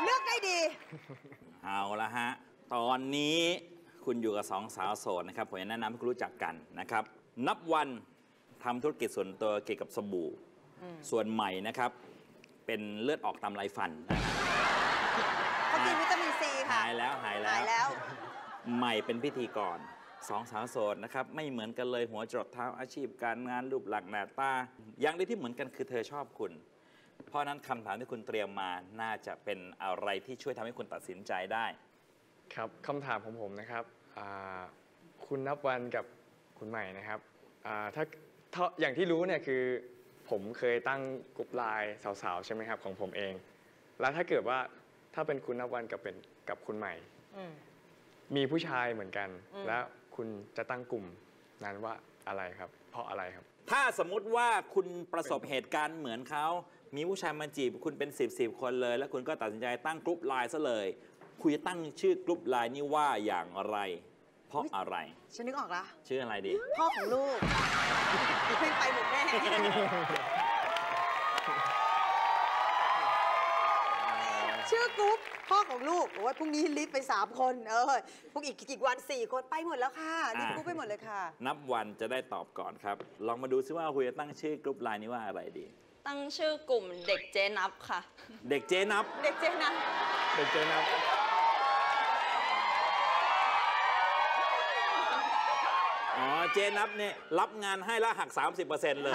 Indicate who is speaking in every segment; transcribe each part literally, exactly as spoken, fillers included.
Speaker 1: เลือกได้ดี
Speaker 2: เอาละฮะตอนนี้คุณอยู่กับสองสาวโสดนะครับผมจะแนะนำให้คุณรู้จักกันนะครับนับวันทำธุรกิจส่วนตัวเกี่ยวกับสบู่ส่วนใหม่นะครับเป็นเลือดออกตามไรฟันนะ
Speaker 1: เขากินวิตามินซีค่ะ
Speaker 2: หายแล้วหายแล้ว
Speaker 1: หายแล้ว
Speaker 2: ใหม่เป็นพิธีกรสองสาวโสดนะครับไม่เหมือนกันเลยหัวจรดเท้าอาชีพการงานรูปหลักหน้าตาอย่างเดียวที่เหมือนกันคือเธอชอบคุณเพราะนั้นคำถามที่คุณเตรียมมาน่าจะเป็นอะไรที่ช่วยทำให้คุณตัดสินใจได้
Speaker 3: ครับคำถามของผมนะครับคุณนับวันกับคุณใหม่นะครับถ้าอย่างที่รู้เนี่ยคือผมเคยตั้งกลุ่มไลน์สาวๆใช่ไหมครับของผมเองแล้วถ้าเกิดว่าถ้าเป็นคุณนับวันกับเป็นกับคุณใหม่มีผู้ชายเหมือนกันแล้วคุณจะตั้งกลุ่มนั้นว่าอะไรครับเพราะอะไรครับ
Speaker 2: ถ้าสมมุติว่าคุณประสบเหตุการณ์เหมือนเขามีผู้ชายมาจีบคุณเป็นสิบสิบคนเลยแล้วคุณก็ตัดสินใจตั้งกลุ่มไลน์ซะเลยคุณจะตั้งชื่อกลุ่มไลน์นี้ว่าอย่างไรเพราะอะไร
Speaker 1: ฉันนึกออกละ
Speaker 2: ชื่ออะไรดี
Speaker 1: พ่อของลูกเพลงไปหมดแน่ชื่อกรุ๊ปพ่อของลูกโอ้ยพรุ่งนี้ลิสต์ไปสามคนเออพรุ่งอีกกี่วันสี่คนไปหมดแล้วค่ะลิสต์กรุ๊ปไปหมดเลยค่ะ
Speaker 2: นับวันจะได้ตอบก่อนครับลองมาดูซิว่าคุณจะตั้งชื่อกรุ๊ปไลน์นี้ว่าอะไรดี
Speaker 4: ตั้งชื่อกลุ่มเด็กเจนับค่ะ
Speaker 2: เด็กเจนับ
Speaker 1: เด็กเจนับ
Speaker 3: เด็กเจนับ
Speaker 2: อ๋อเจนับเนี่ยรับงานให้แล้วหัก สามสิบเปอร์เซ็นต์ เลย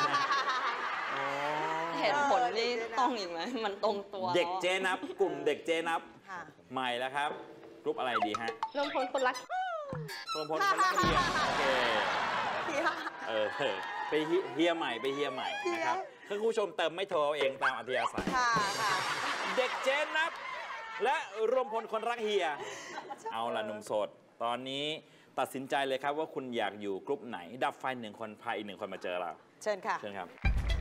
Speaker 4: เหตุผลนี่ต้องอีกไหมมันตรงตัว
Speaker 2: เด็กเจนับกลุ่มเด็กเจนับใหม่แล้วครับกลุ่มอะไรดีฮะ
Speaker 4: รวมพลคนรัก
Speaker 2: รวมพลคนรักเฮียโอเคเออไปเฮียใหม่ไปเฮียใหม่นะครับคือคุณผู้ชมเติมไม่โทรเองตามอัธยาศัยเด็กเจนับและรวมพลคนรักเฮียเอาล่ะหนุ่มโสดตอนนี้ตัดสินใจเลยครับว่าคุณอยากอยู่กลุ่มไหนดับไฟหนึ่งคนพาอีกหนึ่งคนมาเจอเรา
Speaker 1: เชิญค่ะ
Speaker 2: เชิญครับ